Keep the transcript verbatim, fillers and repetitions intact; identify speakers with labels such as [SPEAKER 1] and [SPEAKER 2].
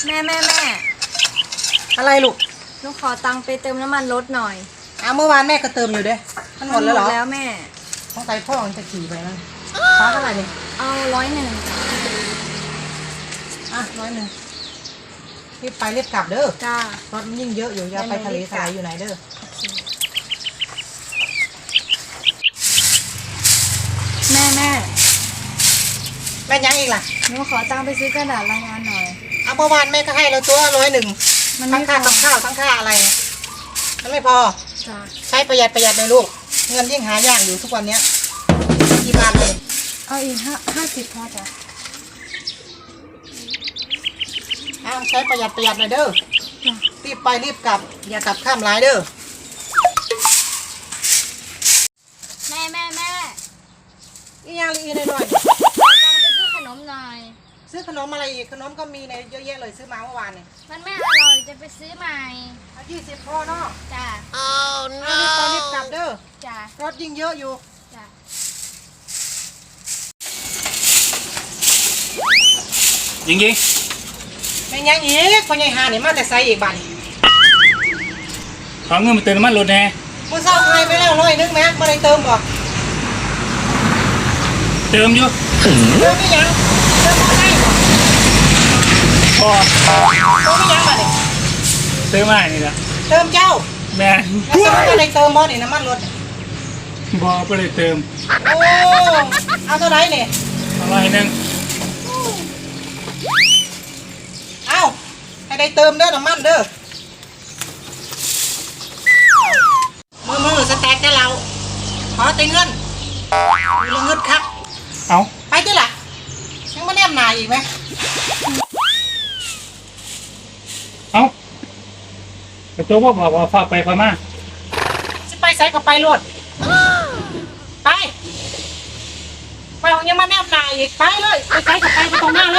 [SPEAKER 1] แม่แม่แม่
[SPEAKER 2] อะไรลูก
[SPEAKER 1] หนูขอตังค์ไปเติมน้ำมันรถหน่อย
[SPEAKER 2] อ้าวเมื่อวานแม่ก็เติมอยู่เด้มันหมดแล้วเหรอ
[SPEAKER 1] แล้วแม่
[SPEAKER 2] ต้องใส่พ่อมันจะขี่ไปมั้งฟ้าเท่าไหร่นี่
[SPEAKER 1] เอาร้อยหนึ่ง
[SPEAKER 2] อ่ะร้อยหนึ่งรีบไปรีบกลับเด้อ
[SPEAKER 1] จ้าร
[SPEAKER 2] ถมันยิ่งเยอะอยู่อย่าไปทะเลทรายอยู่ไหนเด้อ
[SPEAKER 1] แม่แม่
[SPEAKER 2] แม่ยังอีกล่ะ
[SPEAKER 1] หนูขอตังค์ไปซื้อกระดาษรายงานหน่อย
[SPEAKER 2] เอาเมื่อวานแม่ก็ให้เราตัวร้อยหนึ่งทั้งค่ากับข้าวทั้งค่าอะไรมันไม่พอใช้ประหยัดประหยัดเลยลูกเงินยิ่งหายากอยู่ทุกวันเนี้ยกี่บาทเลย
[SPEAKER 1] เอาอีกห้าห้าสิบพอจ้ะ
[SPEAKER 2] อ้าวใช้ประหยัดประหยัดเลยเด้อรีบไปรีบกลับอย่ากลับข้ามร้ายเด้อ
[SPEAKER 1] แม่แม่แม่
[SPEAKER 2] อีกอย่างอีกหน่อย
[SPEAKER 1] ขอตังค์ไปซื้อขนมหน่อย
[SPEAKER 2] ซื้อขนมอะไรอีกขนมก็มีในเยอะแยะเลยซื้อมาเมื่อวานเนี่ย
[SPEAKER 1] มันไม่อร่อยจะไปซื้อใหม่
[SPEAKER 2] ยี่สิบพอเนาะ
[SPEAKER 1] จ้ะ
[SPEAKER 2] เอารีบไปรีบกลับเด้อ
[SPEAKER 1] จ้ะ
[SPEAKER 2] รถยิ่งเยอะอยู่
[SPEAKER 1] จ้ะ
[SPEAKER 3] ยิงยิง
[SPEAKER 2] เป็นยังอีกคนใหญ่หาเนี่ยมาแต่ไซอีกบัน
[SPEAKER 3] ขอเงินมาเติมน้ำมันรถแน่
[SPEAKER 2] มึงเศร้าใครไปแล้วร้อยนึงแม็กมาได้เติมบ่
[SPEAKER 3] เติมอยู่
[SPEAKER 2] เติมไม่ยังเติมไม่ได้บ่
[SPEAKER 3] พอ
[SPEAKER 2] เติมไม่ยังมาเนี่ย
[SPEAKER 3] เติมอะไรนี่ล่ะ
[SPEAKER 2] เติมเจ้า
[SPEAKER 3] แม่
[SPEAKER 2] แล้วจะมาได้เติมบ่เนี่ยน้ำมันรถ
[SPEAKER 3] บอไปเลยเติม
[SPEAKER 2] โอ้เอาเท่าไรเนี่ย
[SPEAKER 3] อะไรนึง
[SPEAKER 2] เอาให้ได้เติมเด้อน้ำมันเด้อมือมือสแต็กได้เราขอเติมเงินมีเงินครับ
[SPEAKER 3] เอา
[SPEAKER 2] ไปดิล่ะยังมาแนมหนาอีกไหม
[SPEAKER 3] เอากระโจกว่าบอกว่าฝากไปพม่า
[SPEAKER 2] จะไปใส่กับไปรถไปไปของยังมาแนมหนาอีกไปเลยไปใส่กับไปไปตรงหน้าเลย